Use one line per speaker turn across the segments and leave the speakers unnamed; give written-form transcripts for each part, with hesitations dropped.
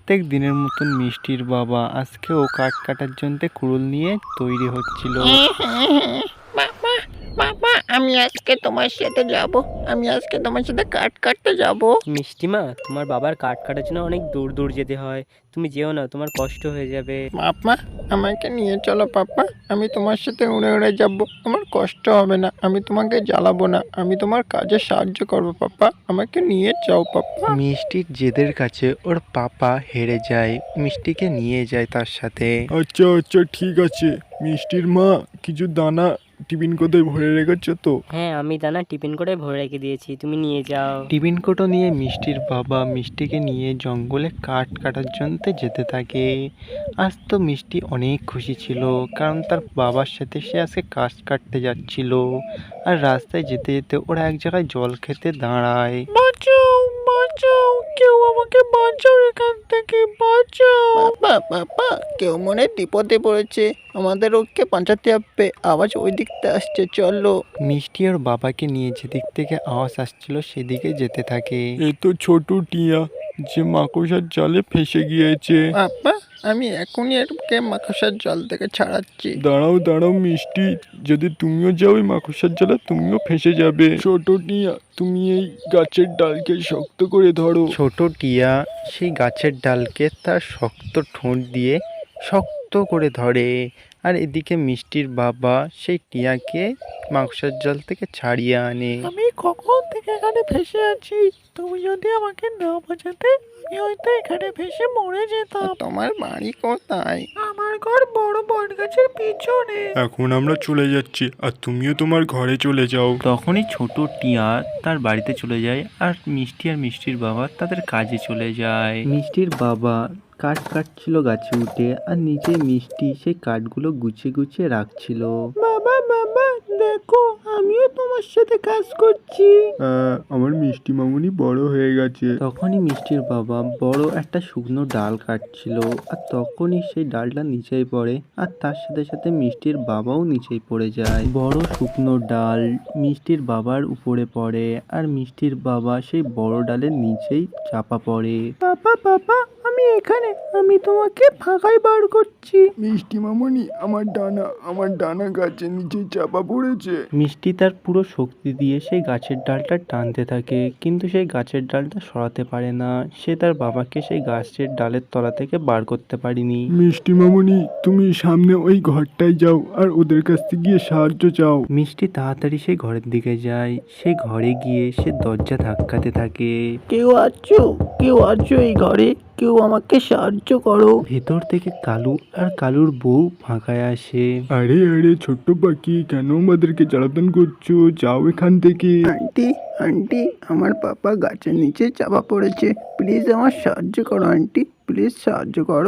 প্রত্যেক দিনের মতন মিষ্টির বাবা আজকেও কাঠ কাটার জন্য কুড়ুল নিয়ে তৈরি হচ্ছিল।
বাবা, বাবা, আমি আজকে তোমার সাথে যাব। আমি আজকে তোমার সাথে কাঠ কাটতে যাব।
মিষ্টিমা, তোমার বাবার কাঠ কাটার জন্য অনেক দূর দূর যেতে হয়। তুমি যেও না, তোমার কষ্ট হয়ে যাবে।
বাবা, আমাকে নিয়ে চলো পাপা। আমি তোমার সাথে উড়ে উড়ে যাব। তোমার কষ্ট হবে না, আমি তোমাকে জ্বালাবো না, আমি তোমার কাজে সাহায্য করবো পাপা। আমাকে নিয়ে যাও পাপা।
মিষ্টির জেদের কাছে ওর পাপা হেরে যায়, মিষ্টিকে নিয়ে যায় তার সাথে।
আচ্ছা আচ্ছা ঠিক আছে। মিষ্টির মা, কিছু দানা টিফিন কোথায় ভরে রেখেছো তো?
হ্যাঁ, আমি দানা টিফিন করে ভরে রেখে দিয়েছি, তুমি নিয়ে যাও।
টিফিন কোটো নিয়ে মিষ্টির বাবা মিষ্টিকে নিয়ে জঙ্গলে কাঠ কাটার জন্য যেতে থাকে। আজ তো মিষ্টি অনেক খুশি ছিল, কারণ তার বাবার সাথে সে আজকে কাঠ কাটতে যাচ্ছিল। আর রাস্তায় যেতে যেতে ওরা এক জায়গায় জল খেতে দাঁড়ায়।
বাঁচাও, বাঁচাও, কেউ আমাকে বাঁচাও, এখান থেকে বাঁচাও। বাবা, বাবা, কেউ মনে বিপদে পড়েছে, আমাদের ওকে বাঁচাতে হবে। আওয়াজ ওই দিকতে আসছে, চলো।
মিষ্টি ওর বাবাকে নিয়ে যেদিক থেকে আওয়াজ আসছিল সেদিকে যেতে থাকে।
এ তো ছোট টিয়া, যে মাকড়সার জালে ফেসে গিয়েছে।
বাবা, আমি এখনই এরকে মাকড়সার জল থেকে ছাড়াচ্ছি।
দাঁড়াও দাঁড়াও মিষ্টি, যদি তুমিও যাও ওই মাকড়সার জালে তুমিও ফেসে যাবে। ছোট টিয়া, তুমি এই গাছের ডালকে শক্ত করে ধরো।
ছোট টিয়া সেই গাছের ডালকে তার শক্ত ঠোঁট দিয়ে শক্ত করে ধরে। আর এদিকে মিষ্টির বাবা সেই টিয়াকে মাকড়সার জল থেকে ছাড়িয়ে আনে।
আমি কখন থেকে এখানে ভেসে আছি, তুমি যদি আমাকে না বাঁচাতে আমি হয়তো এখানে ভেসে মরে যেতাম। তোমার বাড়ি কোথায়? আমার ঘর বড় বট গাছের পিছনে।
এখন আমরা চলে যাচ্ছি, আর তুমিও তোমার ঘরে চলে যাও।
তখনই ছোট টিয়া তার বাড়িতে চলে যায়, আর মিষ্টির বাবা তাদের কাজে চলে যায়। মিষ্টির বাবা কাঠ কাটছিল গাছে উঠে, আর নিচে মিষ্টি সেই কাঠগুলো গুছিয়ে গুছিয়ে রাখছিল।
বাবা, বাবা, দেখো আমিও তোমার সাথে কাজ করছি।
আমার মিষ্টি মামুনি বড় হয়ে গেছে।
তখনই মিষ্টির বাবা বড় একটা শুকনো ডাল কাটছিল, আর তখনই সেই ডালটা নিচেই পড়ে, আর তার সাথে সাথে মিষ্টির বাবাও নিচেই পড়ে যায়। বড় শুকনো ডাল মিষ্টির বাবার উপরে পড়ে, আর মিষ্টির বাবা সেই বড় ডালের নিচেই চাপা পড়ে।
বাবা, বাবা, আমি এখানে, আমি তোমাকে ফাঁকায় বার করছি।
মিষ্টি মামুনি, আমার ডানা গাছের নিচে চাপা পড়েছে।
মিষ্টি তার পুরো শক্তি দিয়ে সেই গাছের ডালটা টানতে থাকে, কিন্তু সেই গাছের ডালটা সরাতে পারে না। সে তার বাবাকে সেই গাছের ডালের তলা থেকে বার করতে পারেনি।
মিষ্টি মামুনি, তুমি সামনে ওই ঘরটায় যাও আর ওদের কাছ থেকে গিয়ে সাহায্য চাও।
মিষ্টি তাড়াতাড়ি সেই ঘরের দিকে যায়। সে ঘরে গিয়ে সে দরজা ধাক্কাতে থাকে।
কেউ আছো? কেউ আছো এই ঘরে? কেউ আমাকে সাহায্য করো।
ভেতর থেকে কালু আর কালুর বউ ফাঁকায় আসে।
আরে আরে ছোট্ট পাখি, কেন আমাদেরকে জ্বালাতন করছো? যাও এখান থেকে।
আন্টি, আন্টি, আমার পাপা গাছের নিচে চাপা পড়েছে, প্লিজ আমার সাহায্য করো আন্টি, প্লিজ সাহায্য করো।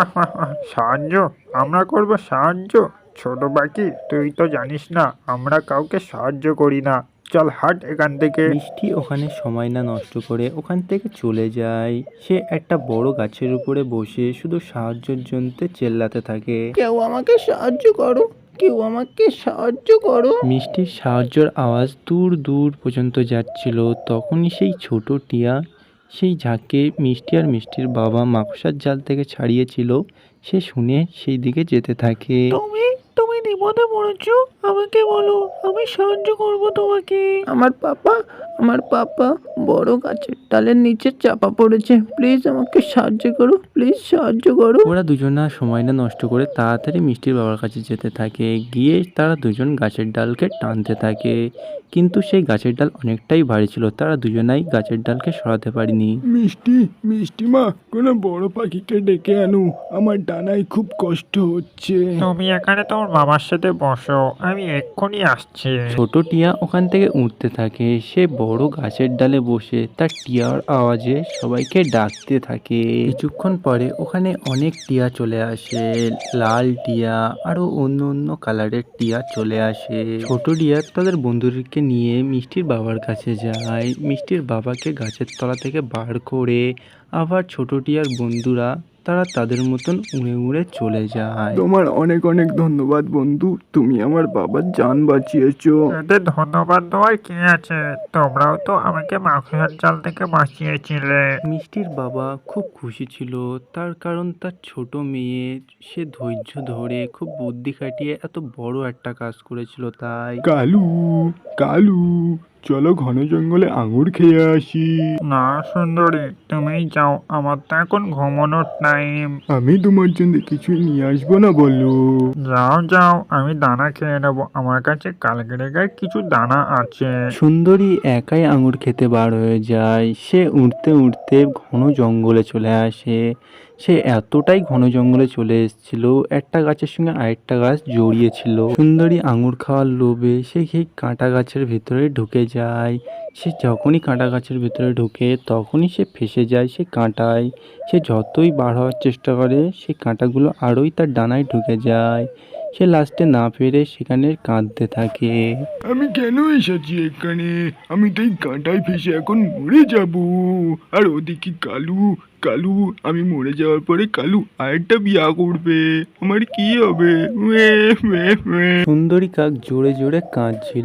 সাহায্য? আমরা করব সাহায্য? ছোট পাখি, তুই তো জানিস না আমরা কাউকে সাহায্য করি না। চল হাট এখান থেকে।
মিষ্টি ওখানে সময় না নষ্ট করে ওখান থেকে চলে যায়। সে একটা বড় গাছের উপরে বসে শুধু সাহায্যের জন্য চেল্লাতে থাকে।
কেউ আমাকে সাহায্য করো, কেউ আমাকে সাহায্য করো।
মিষ্টির সাহায্যের আওয়াজ দূর দূর পর্যন্ত যাচ্ছিল। তখনই সেই ছোট টিয়া সেই ঝাঁকে মিষ্টি আর মিষ্টির বাবা মাকড়সার জাল থেকে ছাড়িয়েছিল, সে শুনে সেই দিকে যেতে থাকে।
তুমি তুমি বিপদে পড়েছো, আমাকে বলো, আমি সাহায্য করব তোমাকে। আমার পাপা বড় গাছের ডালের নিচে চাপা পড়েছে, প্লিজ আমাকে সাহায্য করো, প্লিজ সাহায্য করো।
ওরা দুজনা সময় না নষ্ট করে তাড়াতাড়ি মিষ্টির বাবার কাছে যেতে থাকে। গিয়ে তারা দুজন গাছের ডালকে টানতে থাকে, কিন্তু সেই গাছের ডাল অনেকটাই ভারী ছিল, তারা দুজনাই গাছের ডালকে সরাতে পারেনি।
মিষ্টি মা, কোনো বড় পাখিকে ডেকে আনো, আমার ডানায় খুব কষ্ট হচ্ছে।
তুমি এখানে তোমার বাবার সাথে বসো, আমি এক্ষুনি আসছি।
ছোট টিয়া ওখান থেকে উঠতে থাকে। সে বড় গাছের ডালে বসে তার টিয়ার আওয়াজে সবাইকে ডাকতে থাকে। কিছুক্ষণ পরে ওখানে অনেক টিয়া চলে আসে। লাল টিয়া আরো অন্য অন্য কালারের টিয়া চলে আসে। ছোট টিয়া তাদের বন্ধুদেরকে নিয়ে মিষ্টির বাবার কাছে যায়। মিষ্টির বাবাকে গাছের তলা থেকে বার করে আবার ছোট টিয়ার বন্ধুরা তারা তাদের মতন উড়ে উড়ে চলে যায়।
তোমার অনেক অনেক ধন্যবাদ বন্ধু, তুমি আমার বাবার জান বাঁচিয়েছো।
এতে ধন্যবাদ দেওয়ার কি আছে, তোমরাও তো আমাকে মাকড়সার জাল থেকে বাঁচিয়েছিলে।
মিষ্টির বাবা খুব খুশি ছিল, তার কারণ তার ছোট মেয়ে সে ধৈর্য ধরে খুব বুদ্ধি খাটিয়ে এত বড় একটা কাজ করেছিল তাই।
কালু, কালু, চলো ঘন জঙ্গলে আঙুর খেয়ে আসি।
না সুন্দরী, তুমিই যাও, আমার তো এখন ঘুমানোর টাইম।
আমি তোমার জন্য কিছুই নিয়ে আসবো না বলো।
যাও যাও, আমি দানা খেয়ে নেবো, আমার কাছে কালকেরেগার কিছু দানা আছে।
সুন্দরী একাই আঙুর খেতে বার হয়ে যায়। সে উড়তে উড়তে ঘন জঙ্গলে চলে আসে। সে এতটাই ঘন জঙ্গলে চলে এসেছিল, একটা গাছের সঙ্গে আরেকটা গাছ জড়িয়ে ছিল। সুন্দরী আঙুর খাওয়ার লোভে সে সেই কাঁটা গাছের ভিতরে ঢুকে যায়। সে যখনই কাঁটা গাছের ভিতরে ঢুকে তখনই সে ফেঁসে যায় সে কাঁটায়। সে যতই বার হওয়ার চেষ্টা করে সেই কাঁটাগুলো আরোই তার ডানায় ঢুকে যায়। সে লাস্টে না পেরে সেখানে কাঁদতে থাকে।
আমি কেন এসেছি এখানে? আমি তো এই কাঁটায় ফেসে এখন মরে যাব। আর ওদিকে কালু, কালু, আমি মরে যাওয়ার পরে কালু আরেকটা বিয়া করবে, আমার কি হবে? মে, মে, মে।
সুন্দরী কাক জোরে জোরে কাঁদছিল।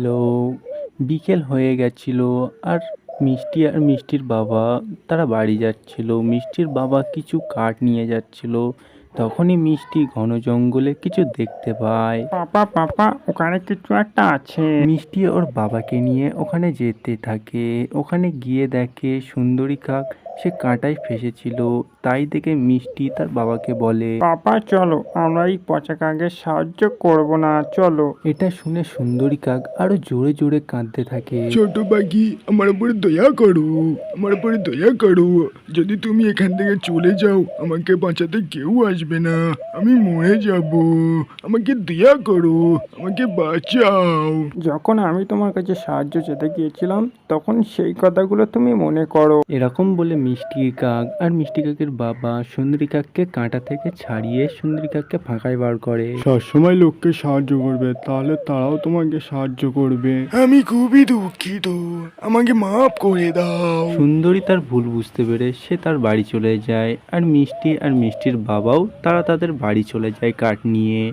বিকেল হয়ে গেছিল আর মিষ্টি আর মিষ্টির বাবা তারা বাড়ি যাচ্ছিল। মিষ্টির বাবা কিছু কাঠ নিয়ে যাচ্ছিল। তখনই মিষ্টি ঘন জঙ্গলে কিছু দেখতে পায়।
পাপা পাপা, ওখানে কিছু একটা আছে।
মিষ্টি ওর বাবাকে নিয়ে ওখানে যেতে থাকে। ওখানে গিয়ে দেখে সুন্দরী কাক সে কাঁটায় ফেসেছিল। তাই দেখে মিষ্টি তার বাবাকে বলে,
পাপা চলো, আমরা এই পচা কাকের সাহায্য করব না, চলো।
এটা শুনে সুন্দরী কাক আরো জোরে জোরে কাঁদতে থাকে।
ছোট পাখি, আমার উপরে দয়া করো, আমার উপরে দয়া করো। যদি তুমি এখান থেকে চলে যাও আমাকে বাঁচাতে কেউ আসবে না, আমি মরে যাব। আমাকে দয়া করো, আমাকে বাঁচাও।
যখন আমি তোমার কাছে সাহায্য চেতে গিয়েছিলাম তখন সেই কথাগুলো তুমি মনে করো।
এরকম বলে মিষ্টি কাক আর মিষ্টি কাকের বাবা সুন্দরী কাককে কাঁটা থেকে ছাড়িয়ে সুন্দরী কাককে ফাঁকায় বার করে।
সবসময় লোককে সাহায্য করবে, তাহলে তারাও তোমাকে সাহায্য করবে। আমি খুবই দুঃখিত, আমাকে মাফ করে দাও।
সুন্দরী তার ভুল বুঝতে পেরে সে তার বাড়ি চলে যায় আর মিষ্টি আর মিষ্টির বাবাও তারা তাদের বাড়ি চলে যায় কাঠ নিয়ে।